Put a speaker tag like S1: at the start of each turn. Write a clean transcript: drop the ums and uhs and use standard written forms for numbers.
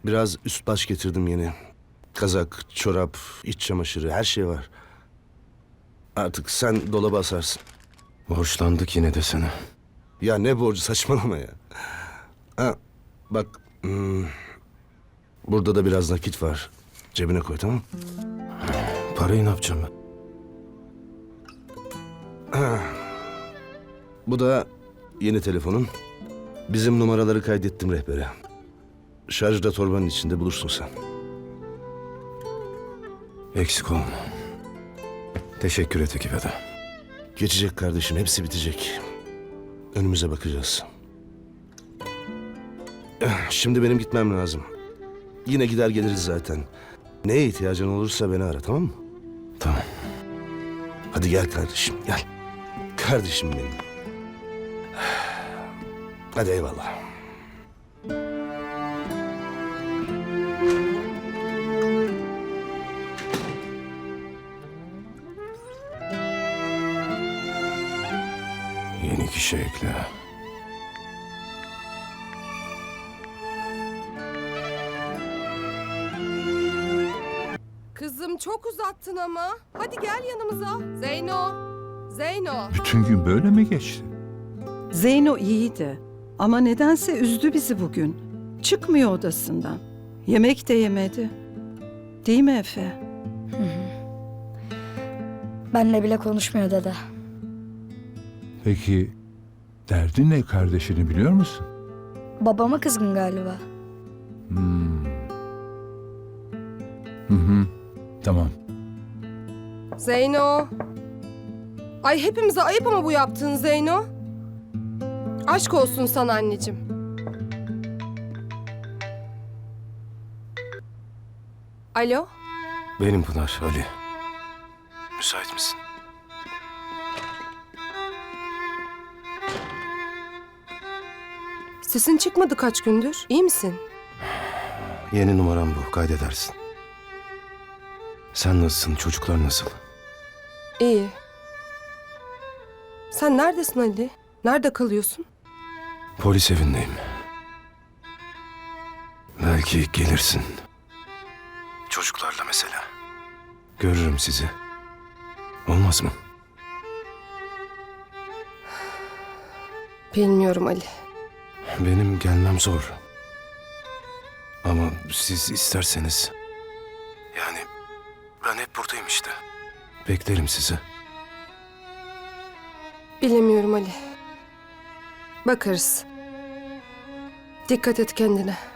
S1: Biraz üst baş getirdim yeni. Kazak, çorap, iç çamaşırı, her şey var. Artık sen dolaba asarsın.
S2: Borçlandık yine de sana.
S1: Ya ne borcu, saçmalama ya. Ha, bak, burada da biraz nakit var. Cebine koy, tamam mı?
S2: Parayı ne yapacağım ben?
S1: Bu da yeni telefonun. Bizim numaraları kaydettim rehbere. Şarjda torbanın içinde, bulursun sen.
S2: Eksik olma. Teşekkür et ekibe de.
S1: Geçecek kardeşim, hepsi bitecek. Önümüze bakacağız. Şimdi benim gitmem lazım. Yine gider geliriz zaten. Neye ihtiyacın olursa beni ara, tamam mı?
S2: Tamam.
S1: Hadi gel kardeşim, gel. Kardeşim benim. Hadi eyvallah.
S2: Yeni kişi ekle.
S3: Kızım çok uzattın ama. Hadi gel yanımıza. Zeyno. Zeyno.
S4: Bütün gün böyle mi geçti?
S5: Zeyno iyiydi ama nedense üzdü bizi bugün. Çıkmıyor odasından. Yemek de yemedi. Değil mi Efe?
S6: Benle bile konuşmuyor dede.
S4: Peki derdi ne, kardeşini biliyor musun?
S6: Babama kızgın galiba.
S4: Tamam.
S3: Zeyno. Ay hepimize ayıp ama bu yaptığın Zeyno. Aşk olsun sana anneciğim. Alo.
S2: Benim Pınar, Ali. Müsait misin?
S3: Sesin çıkmadı kaç gündür. İyi misin?
S2: Yeni numaram bu, kaydedersin. Sen nasılsın, çocuklar nasıl?
S3: İyi. Sen neredesin Ali? Nerede kalıyorsun?
S2: Polis evindeyim. Belki gelirsin. Çocuklarla mesela. Görürüm sizi. Olmaz mı?
S3: Bilmiyorum Ali.
S2: Benim gelmem zor. Ama siz isterseniz... Yani ben hep buradayım işte. Beklerim sizi.
S3: Bilemiyorum Ali. Bakarız. Dikkat et kendine.